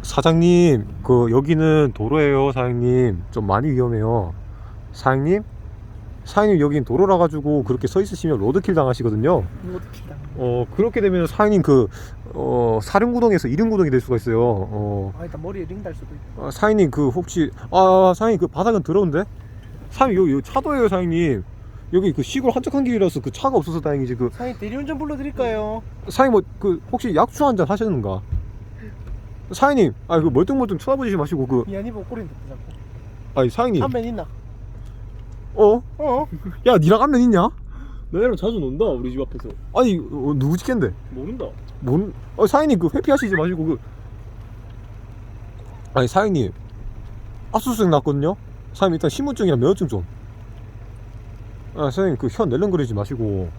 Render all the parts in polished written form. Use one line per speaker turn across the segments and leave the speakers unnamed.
사장님, 그 여기는 도로예요. 사장님, 좀 많이 위험해요. 사장님, 사장님 여긴 도로라 가지고 그렇게 서 있으시면 로드킬 당하시거든요.
로드킬 당.
그렇게 되면 사장님 사륜구동에서 이륜구동이 될 수가 있어요.
일단 머리에 링 달 수도 있고.
사장님 혹시 사장님 바닥은 더러운데? 사장님 여기 차도예요. 사장님 여기 시골 한적한 길이라서 차가 없어서 다행이지.
사장님 대리운전 불러드릴까요?
사장님 혹시 약주 한잔 하셨는가? 사장님 멀뚱멀뚱 쳐다보지 마시고
미안해 보고 꼬리는 듣자 자꾸.
아니 사장님
한면 있나?
야 니랑 안면 있냐?
너네랑 자주 논다 우리 집 앞에서.
아니 누구 집겐데?
모른다.
사장님 회피하시지 마시고 아니 사장님 압수수색 났거든요? 사장님 일단 신분증이랑 면허증 좀. 사장님 현 낼름거리지 마시고.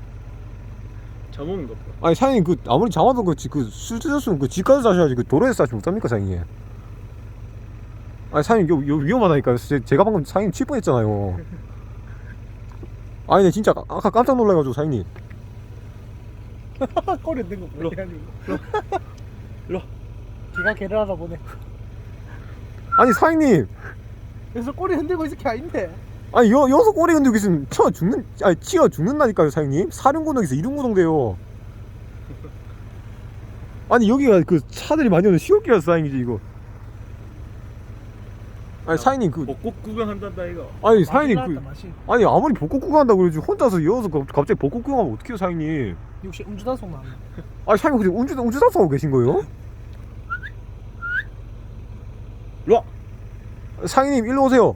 잠오는가 보다.
아니 사장님 아무리 잠아도 술 드셨으면 집 가서 자셔야지 도로에서 자지 못합니까 사장님? 아니 사장님 요 위험하다니까요. 제가 방금 사장님 칠 뻔했잖아요. 아니 진짜 아까 깜짝 놀라가지고 사장님.
꼬리 흔든 거
일로.
뭐야?
일로.
걔가 걔를 알아보네.
아니 사장님,
그래서 꼬리 흔들고 있을 게 아닌데.
아니 여기서 꼬리 흔들고 있으면 치어 죽는다니까요 사장님. 사륜구동에서 이륜구동 돼요. 아니 여기가 차들이 많이 오는 시골길이라서 다행이지 이거. 아니 사장님
벚꽃 구경한단다 이거.
아니 사장님
맛이.
아니 아무리 벚꽃 구경한다고 그러지 혼자서 이어서 갑자기 벚꽃 구경하면 어떡해요 사장님.
역시 음주단속 나왔네.
아니 사장님 혹시 운주단속하고 계신 거예요?
일로 와.
사장님 일로 오세요.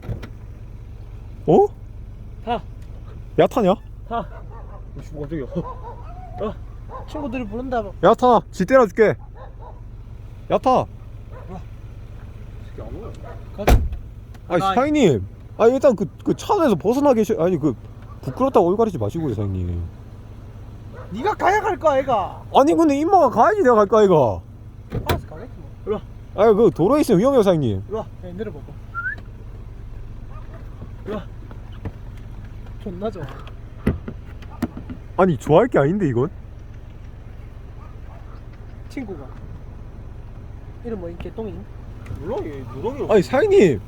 타.
야타냐?
타. 오씨 깜짝이야.
친구들이 부른다.
야타 지 때려줄게. 야타.
이게 아무거야.
가자.
아니 사장님 일단 차 안에서 벗어나 계셔. 아니 부끄럽다고 얼 가리지 마시고요 사장님.
네가 가야 갈 거야 애가.
아니 근데 임마가 가야지 내가 갈까 이거.
알아서 가겠지 뭐.
일로 와.
아니 도로에 있으면 위험해요 사장님.
일로 와.
야, 내려봐봐.
일로 와.
존나 좋아.
아니 좋아할 게 아닌데 이건.
친구가 이름 뭐 개똥이?
몰라 얘 누렁이.
아니 사장님.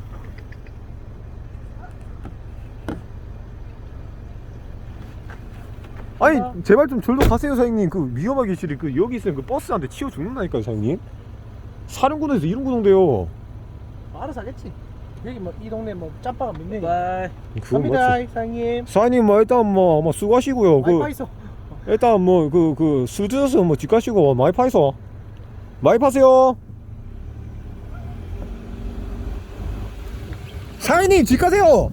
아니 제발 좀 절로 가세요 사장님. 위험하게 실이 여기 있으면 버스한테 치여 죽는다니까요 사장님. 사륜구동에서 이륜구동 돼요.
알아서 하겠지. 여기 뭐 이 동네 뭐 짬바가 몇 명이.
바이.
그건
갑니다
맞지.
사장님.
사장님 일단 아마 수고하시고요.
와이파이 있어.
일단 술 드셔서 집 가시고 많이 파이소. 많이 파세요. 사장님 집 가세요.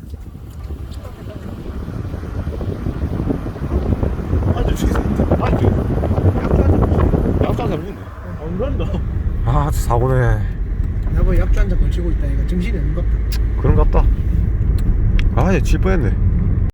약주 한잔 먹네.
안 간다.
사고네.
여보 약주 한잔 걸치고 있다. 이거 정신이 없는 것 같다.
그런갑다. 이제 질 뻔했네.